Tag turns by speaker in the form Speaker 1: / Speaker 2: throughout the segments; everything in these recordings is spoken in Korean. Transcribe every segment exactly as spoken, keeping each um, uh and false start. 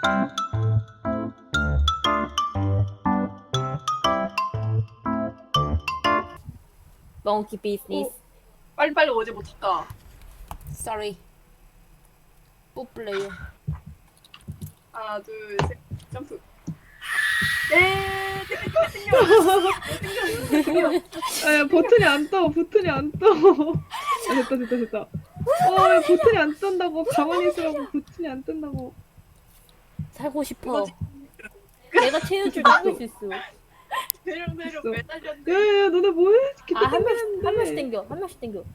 Speaker 1: 몽키 비즈니스.
Speaker 2: 빨리빨리 오지 못할까?
Speaker 1: Sorry. 뽀플레이어.
Speaker 2: 하나, 둘, 셋, 점프. 예, 땡겨, 땡겨, 땡겨.
Speaker 3: 아, 버튼이 안 떠. 버튼이 안 떠. 아, 됐다, 됐다, 됐다. 어, 왜 버튼이 안 뜬다고. 가만히 있으라고 버튼이 안 뜬다고.
Speaker 1: 살고 싶어.
Speaker 2: 이거지.
Speaker 1: 내가 채울줄 당길 수 있어.
Speaker 2: 대령 대령
Speaker 3: 있어.
Speaker 2: 매달렸는데.
Speaker 3: 야, 야, 야, 너네 뭐해?
Speaker 1: 아, 한 명씩, 한 명씩 당겨. 한 명씩 당겨.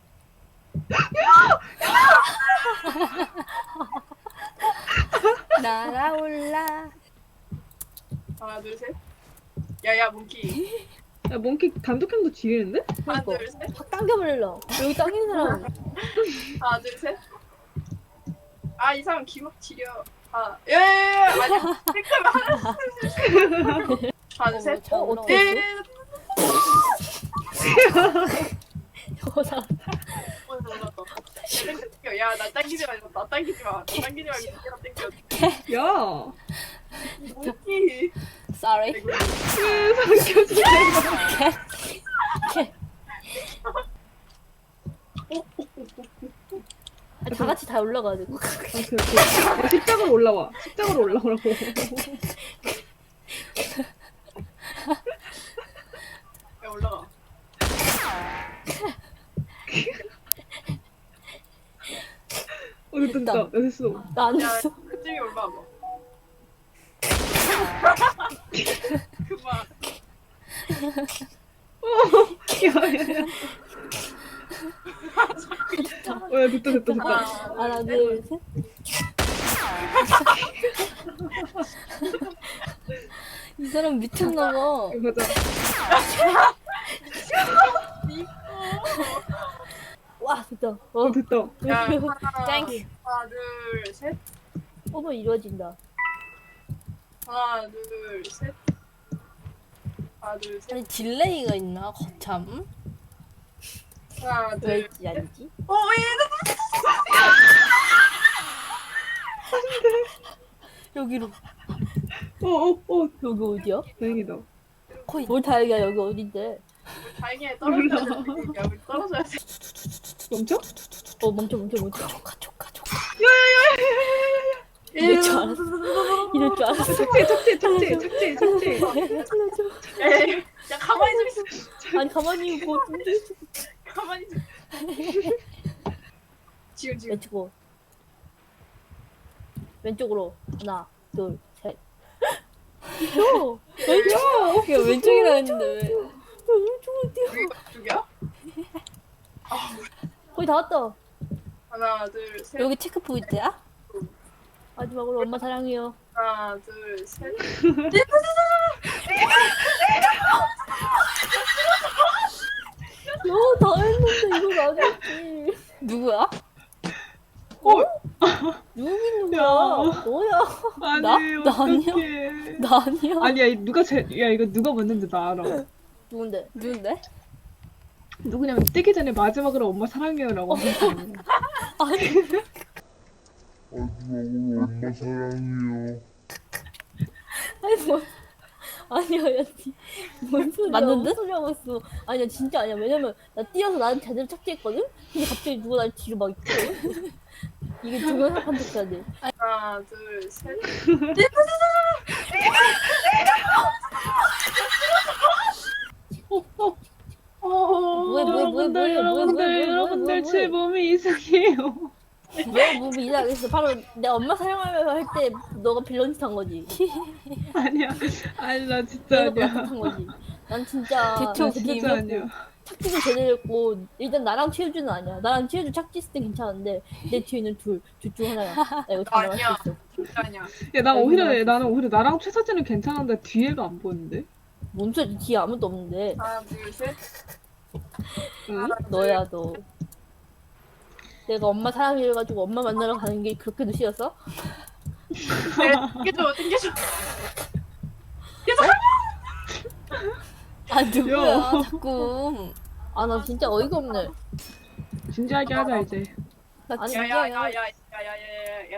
Speaker 1: 날아올라.
Speaker 2: 하나, 둘, 셋. 야야 몽키.
Speaker 3: 야, 몽키 단독형도 지리는데?
Speaker 2: 하나,
Speaker 1: 그러니까.
Speaker 2: 둘, 셋.
Speaker 1: 확 당겨버릴러. 여기 당기는 사람.
Speaker 2: 하나, 둘, 셋. 아, 이 사람 기막 지려. 아, 야야야, 아니, 택하면 하나, 하나, 둘, 셋.
Speaker 1: 어,
Speaker 2: 어,
Speaker 1: 어떻게
Speaker 2: 예.
Speaker 1: 저 사람.
Speaker 2: 야, 나 당기지 말고, 나 당기지 마. 나 당기지 말고, 내가 당겨.
Speaker 3: 야!
Speaker 2: 몽키.
Speaker 1: Sorry.
Speaker 2: 아이고,
Speaker 3: 왜 삼켜주세요?
Speaker 1: 아, 다 같이 다 올라가야 돼.
Speaker 3: 오케이, 오케이. 야, 십자가로 올라와. 십자가로 올라오라고.
Speaker 2: 야, 올라가.
Speaker 3: 어, 됐다, 됐다. 야, 됐어.
Speaker 1: 나안
Speaker 2: 야,
Speaker 1: 했어.
Speaker 2: 그쯤이 올라와봐. 그만.
Speaker 3: 야, 야, 야. 어, 야, 됐다, 됐다, 됐다.
Speaker 1: 하나, 둘, 셋. 이 사람 미쳤나 봐.
Speaker 3: 이거 가자.
Speaker 1: 와, 됐다. 어,
Speaker 3: 어, 됐다.
Speaker 2: 야, 하나,
Speaker 1: 땡큐.
Speaker 2: 하나, 둘, 셋.
Speaker 1: 어머, 이루어진다.
Speaker 2: 하나, 둘, 셋. 하나, 둘, 셋.
Speaker 4: 아니 딜레이가 있나 거참?
Speaker 2: 하나,
Speaker 1: 왜
Speaker 2: 둘.
Speaker 1: 있지, 아니지?
Speaker 2: 어, 얘
Speaker 4: 여기로
Speaker 3: 어, 어, 어.
Speaker 1: 여기 어디야?
Speaker 3: 다행이다.
Speaker 4: 거의
Speaker 1: 뭘 다행이야, 여기 어딘데?
Speaker 2: 다행히 떨어져야 돼. 야, 우리 떨어져야 돼.
Speaker 3: 멈춰?
Speaker 1: 어, 멈춰, 멈춰, 멈춰.
Speaker 4: 조카 조카 조카.
Speaker 1: 이럴 줄 알았어. 이럴 줄 알았어.
Speaker 3: 착지, 착지, 착지, 착지, 착지.
Speaker 2: 야, 야, 가만히 좀 있어.
Speaker 1: 아니, 가만히 있고.
Speaker 2: 가만히 좀. 지금, 지금.
Speaker 1: 왼쪽으로. 왼쪽으로. 하나, 둘, 셋. 어, 왼쪽!
Speaker 4: 야 왼쪽이라 했는데 왜?
Speaker 1: 왼쪽으로 뛰어.
Speaker 2: 여기 쪽이야?
Speaker 1: 거의 다 왔다.
Speaker 2: 하나, 둘, 셋.
Speaker 4: 여기 체크 포인트야?
Speaker 1: 마지막으로 엄마 사랑해요.
Speaker 2: 하나, 둘, 셋.
Speaker 1: 너 다 했는데 이건 아니었지.
Speaker 4: 누구야?
Speaker 1: 누구긴 누구야?
Speaker 3: 야.
Speaker 1: 너야.
Speaker 3: 아니,
Speaker 4: 나? 나 아니야?
Speaker 3: 어떡해.
Speaker 4: 나 아니야.
Speaker 3: 아니야, 누가 제, 야, 이거 누가 먼저인지 나 알아.
Speaker 1: 누군데?
Speaker 4: 누군데?
Speaker 3: 누구냐면 뜨기 전에 마지막으로 엄마 사랑해요라고 한 사람이야.
Speaker 4: 아니
Speaker 5: 마지막으로 엄마 사랑해요.
Speaker 1: 아니 뭐 아니야, 야, 니- 뭔 소리야?
Speaker 4: 맞는데?
Speaker 1: 뭔 소리 하고 있어? 아니야, 진짜 아니야. 왜냐면 나 뛰어서 나는 제대로 착지했거든. 근데 갑자기 누가 날 뒤로 막 있거든. 이게 동영상 판독해야 돼.
Speaker 2: 하나, 둘, 셋.
Speaker 1: 뭐해, 뭐해, 뭐해,
Speaker 3: 여러분들,
Speaker 1: 뭐해,
Speaker 3: 여러분들,
Speaker 1: 뭐해, 뭐해,
Speaker 3: 여러분들,
Speaker 1: 뭐해,
Speaker 3: 제
Speaker 1: 뭐해.
Speaker 3: 몸이 이상해요.
Speaker 1: 왜 몸이 이상했어? 바로 내 엄마 사랑하면서 할 때 너가 빌런 짓한 거지.
Speaker 3: 아니야, 아니, 나 진짜
Speaker 1: 너가
Speaker 3: 아니야.
Speaker 1: 나쁜 거지. 난 진짜
Speaker 4: 대충
Speaker 3: 나 진짜 아니야.
Speaker 1: 착지도 제대로 했고 일단 나랑 최우주는 아니야. 나랑 최우주 착지했을 땐 괜찮은데 내 뒤에 있는 둘, 둘 중 하나야. 나 이거 장담할
Speaker 2: 아니야.
Speaker 1: 수 있어.
Speaker 2: 진짜 아니야.
Speaker 3: 야, 난
Speaker 1: 야,
Speaker 3: 오히려,
Speaker 1: 근데
Speaker 3: 나는 오히려 나랑 최서진은 괜찮은데 뒤에가 안 보이는데?
Speaker 1: 뭔 소리? 뒤에 아무도 없는데.
Speaker 2: 하나, 둘, 셋.
Speaker 3: 응?
Speaker 2: 하나,
Speaker 1: 너야 너. 내가 엄마 사랑해가지고 엄마 만나러 가는 게 그렇게도 싫었어?
Speaker 2: 둘. 땡겨줘, 땡겨줘.
Speaker 4: 아 누구야
Speaker 3: 야.
Speaker 4: 자꾸.
Speaker 1: 아 나 진짜 어이가 없네.
Speaker 3: 진지하게 하자, 이제.
Speaker 4: 나
Speaker 1: 아니,
Speaker 2: 야, 야, 야,
Speaker 4: 진짜야.
Speaker 2: 야, 야, 야, 야, 야,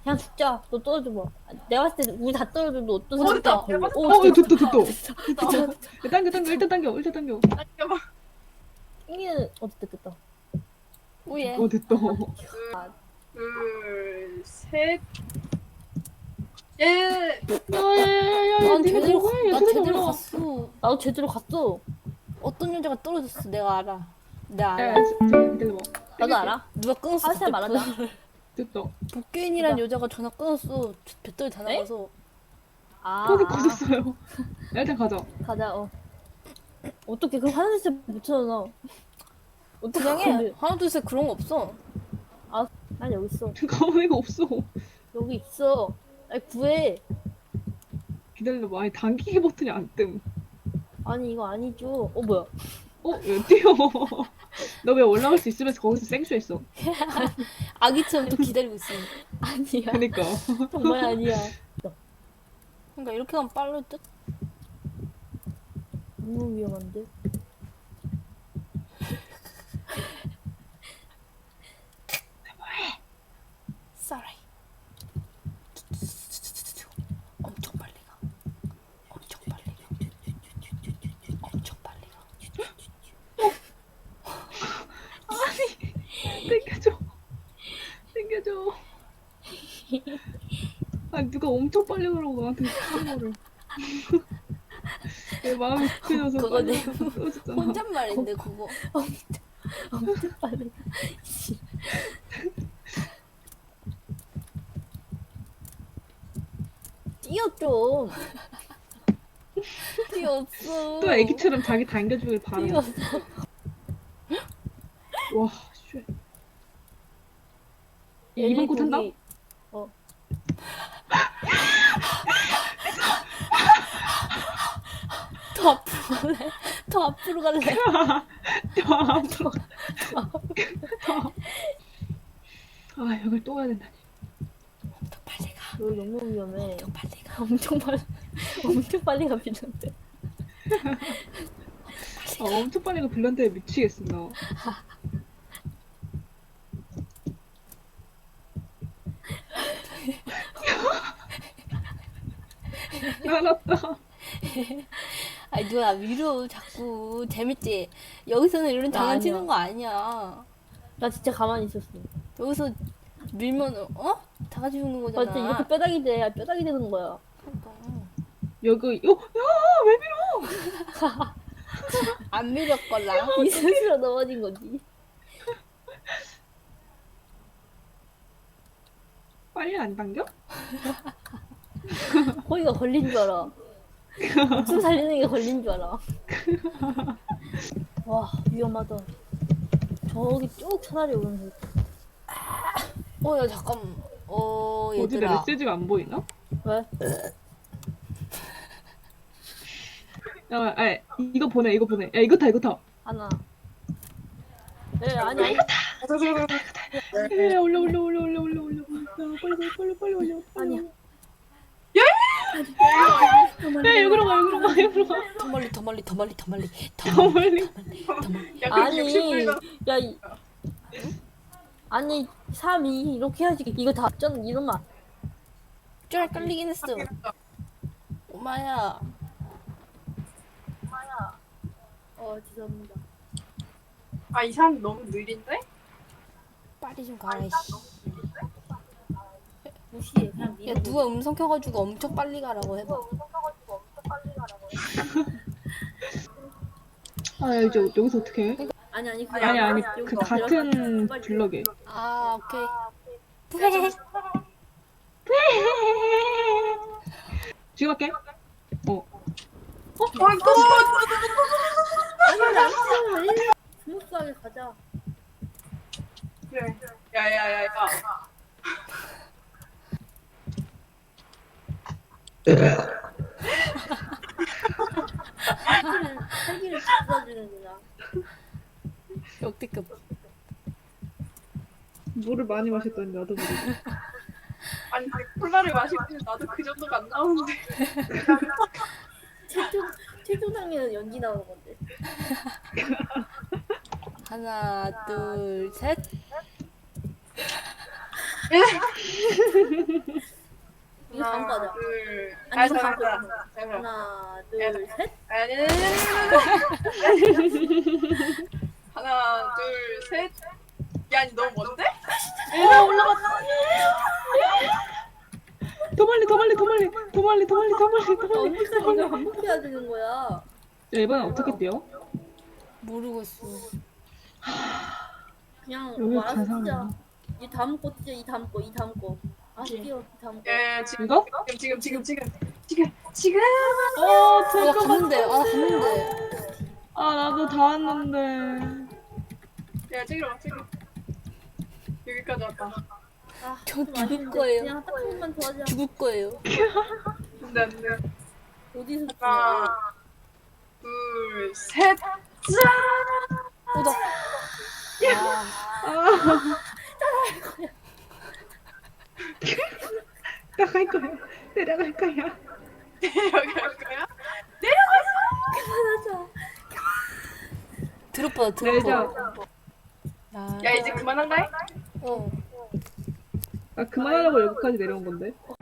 Speaker 1: 그냥 죽자. 너 떨어져봐. 내가 봤을 때 우리 다 떨어져도 어떤
Speaker 2: 어,
Speaker 1: 사람
Speaker 2: 됐다.
Speaker 1: 걸려.
Speaker 2: 됐다.
Speaker 1: 오,
Speaker 3: 어,
Speaker 1: 진짜.
Speaker 3: 됐다, 됐다.
Speaker 1: 진짜.
Speaker 3: 야, 당겨, 당겨, 일단 당겨, 일단 당겨.
Speaker 2: 잠깐만.
Speaker 1: 땡기는 어 됐다 됐다.
Speaker 4: 오예.
Speaker 3: 어, 됐다.
Speaker 2: 둘, 셋. 예.
Speaker 3: 야, 야, 야, 야, 야,
Speaker 4: 난
Speaker 3: 니가
Speaker 4: 제대로
Speaker 3: 뭐해?
Speaker 4: 나
Speaker 3: 손에서
Speaker 4: 제대로
Speaker 3: 올라와.
Speaker 4: 갔어.
Speaker 1: 나도 제대로 갔어.
Speaker 4: 어떤 여자가 떨어졌어. 내가 알아. 내가
Speaker 3: 야,
Speaker 4: 알아.
Speaker 3: 야, 저기 기다려봐.
Speaker 1: 나도 알아.
Speaker 4: 누가 끊었어.
Speaker 1: 하세
Speaker 4: 그때
Speaker 1: 말하자.
Speaker 3: 됐다.
Speaker 4: 복귀인이란
Speaker 1: 누가?
Speaker 4: 여자가 전화 끊었어. 배터리 다
Speaker 1: 에?
Speaker 4: 나가서.
Speaker 1: 아,
Speaker 3: 폰이 꺼졌어요. 야, 일단 가자.
Speaker 1: 가자. 어. 어떻게 그 화장실 못 찾아나? 어떻게
Speaker 4: 그냥
Speaker 1: 근데
Speaker 4: 해. 하나 둘 셋 그런 거 없어.
Speaker 1: 난 여기 있어.
Speaker 3: 가만히가 없어.
Speaker 1: 여기 있어. 아니 구해.
Speaker 3: 기다려봐. 아니, 당기기 버튼이 안 뜸.
Speaker 1: 아니 이거 아니죠. 어 뭐야?
Speaker 3: 어, 야, 뛰어. 너 왜 올라갈 수 있으면서 거기서 생쇼했어?
Speaker 4: 아기처럼 또 기다리고 있어.
Speaker 1: 아니야.
Speaker 3: 그니까.
Speaker 1: 정말 아니야.
Speaker 4: 그러니까 이렇게 하면 빠를 듯?
Speaker 1: 너무 위험한데.
Speaker 4: Sorry. 엄청 빨리 가. 엄청 빨리 가. 엄청 빨리 가.
Speaker 3: 땡겨줘. 땡겨줘. 아니, 누가 엄청 빨리 가라고 나한테 하는 거를. 내 마음이 급해져서
Speaker 4: 그거
Speaker 3: 빨리
Speaker 4: 내
Speaker 3: 가서 떨어졌잖아.
Speaker 4: 혼잣말인데 그거.
Speaker 1: 엄청 빨리. 씨. 뛰어 좀.
Speaker 4: 뛰었어.
Speaker 3: 또 애기처럼 자기 당겨주길 바라.
Speaker 1: 뛰어.
Speaker 3: 와, 쉣. 이번 거 탄다?
Speaker 1: 어.
Speaker 4: 더 앞으로 갈래? 더 앞으로 갈래?
Speaker 3: 아, 여길 또 가야 된다니.
Speaker 4: 더 빨리 가.
Speaker 1: 여기 너무 위험해.
Speaker 4: 더 빨리 가.
Speaker 1: 엄청 빨리. 엄청 빨리 가피는데.
Speaker 3: 아, 엄청 빨리 가 빌런데 미치겠어, 나. 알았다.
Speaker 4: 아니 누가 위로 자꾸 재밌지? 여기서는 이런
Speaker 1: 나
Speaker 4: 장난치는
Speaker 1: 아니야.
Speaker 4: 거 아니야.
Speaker 1: 나 진짜 가만히 있었어.
Speaker 4: 여기서 밀면 어? 다 같이 죽는
Speaker 1: 나
Speaker 4: 거잖아.
Speaker 1: 진짜 이렇게 뼈다귀 돼. 뼈다귀 되는 거야.
Speaker 4: 그러니까.
Speaker 3: 여기, 어, 야, 왜 밀어?
Speaker 4: 안 밀었걸라.
Speaker 1: 이 스스로 넘어진 거지.
Speaker 3: 빨리 안 당겨?
Speaker 1: 거기가 걸린 줄 알아. 목숨 살리는 게 걸린 줄 알아. 와 위험하다. 저기 쭉 차라리 오는 거.
Speaker 4: 어, 야 잠깐. 어,
Speaker 3: 어디 내
Speaker 4: 얘들아.
Speaker 3: 메시지가 안 보이나?
Speaker 1: 왜?
Speaker 3: 야, 아, 이거 보내, 이거 보내. 야, 이거 타, 이거 타.
Speaker 1: 하나. 네 아니 아니.
Speaker 3: 야, 올려, 올려, 올려, 올려, 올려, 올려. 야, 빨리, 빨리, 빨리, 빨리 올려. 빨리.
Speaker 1: 아니야.
Speaker 3: 야, 여기로 가, 여기로 가, 여기로 가.
Speaker 4: 더 멀리 더 멀리 더 멀리 더 멀리 더
Speaker 3: 더
Speaker 4: 멀리
Speaker 3: 멀리.
Speaker 4: 더 멀리.
Speaker 2: 야, 그
Speaker 1: 아니
Speaker 2: 육십불가
Speaker 1: 야 이, 아니 삼, 이 이렇게 해야지. 이거 다 전 이러면 안-
Speaker 4: 좀 헷갈리긴 했어. 오마야.
Speaker 1: 어 죄송합니다.
Speaker 2: 아, 이 사람 너무 느린데?
Speaker 4: 빨리 좀 가라 이씨.
Speaker 1: 무시해 그냥
Speaker 4: 야 누가 음성 켜가지고 엄청 빨리 가라고 해봐.
Speaker 3: 아, 야, 이제 여기서 어떻게 해?
Speaker 1: 아니 아니 그
Speaker 3: 아니, 아니,
Speaker 1: 여기
Speaker 3: 그
Speaker 1: 너
Speaker 3: 같은
Speaker 1: 내려가. 빨리
Speaker 3: 블럭에.
Speaker 4: 아 오케이.
Speaker 3: 지금 할게. 어.
Speaker 2: 아이고!
Speaker 1: 아니 안 돼. 스무스하게 가자.
Speaker 2: 그래. 야, 야, 야, 야.
Speaker 1: 살기를 살기를 지켜주는구나.
Speaker 4: 역대급.
Speaker 3: 물을 많이 마셨더니 나도 모르게.
Speaker 2: 아니, 콜라를 마시고 나도 그 정도가 안 나오는데.
Speaker 1: 최종 최종상에는 연기 나오는 건데.
Speaker 4: 하나 둘 셋.
Speaker 1: 이거 다음 거 하자.
Speaker 2: 둘.
Speaker 1: 아니,
Speaker 2: 아,
Speaker 1: 이거 다음
Speaker 2: 잠깐만.
Speaker 1: 거.
Speaker 2: 잠깐만.
Speaker 1: 하나, 둘, 셋.
Speaker 2: 아니, 아니, 아니. 하나, 둘, 셋. 야, 아니 너무 먼데?
Speaker 3: 아 올라갔다. 더 멀리 더 멀리 더 멀리 더 멀리 더 멀리 더 멀리 더 멀리.
Speaker 1: 언제까지 이걸 반복해야 되는 거야?
Speaker 3: 야 이번엔 어떻게 뛰어?
Speaker 4: 모르겠어.
Speaker 1: 그냥
Speaker 3: 여기
Speaker 1: 말아서
Speaker 3: 가상이야.
Speaker 1: 뛰자. 이 다음 거 뛰자. 이 다음 거. 이 다음 거. 아, 뛰어. 이 다음 거.
Speaker 2: 예, 지금
Speaker 3: 이거?
Speaker 2: 지금 지금 지금 지금 지금.
Speaker 3: 어
Speaker 4: 아, 나
Speaker 3: 잠깐만.
Speaker 4: 갔는데. 아, 갔는데.
Speaker 3: 아 나도 다 왔는데.
Speaker 2: 야, 찍으러 찍으. 여기까지 왔다.
Speaker 1: 아,
Speaker 4: 저
Speaker 1: 좀
Speaker 4: 죽을
Speaker 1: 아쉬운데.
Speaker 4: 거예요.
Speaker 1: 그냥 딱 한 번만 더 하자.
Speaker 4: 죽을 거예요.
Speaker 2: 안돼 안돼.
Speaker 1: 어디서 뛰어?
Speaker 2: 하나, 둘, 셋.
Speaker 4: 오다. 아,
Speaker 3: 아. 나갈 거야. 내려갈 거야.
Speaker 2: 여기 할 거야?
Speaker 1: 그만하자.
Speaker 4: 드롭받아,
Speaker 3: 내자.
Speaker 4: 드롭받아. 야,
Speaker 2: 야, 이제 그만한다.
Speaker 4: 어.
Speaker 3: 아 그만하려고 여기까지 내려온 건데.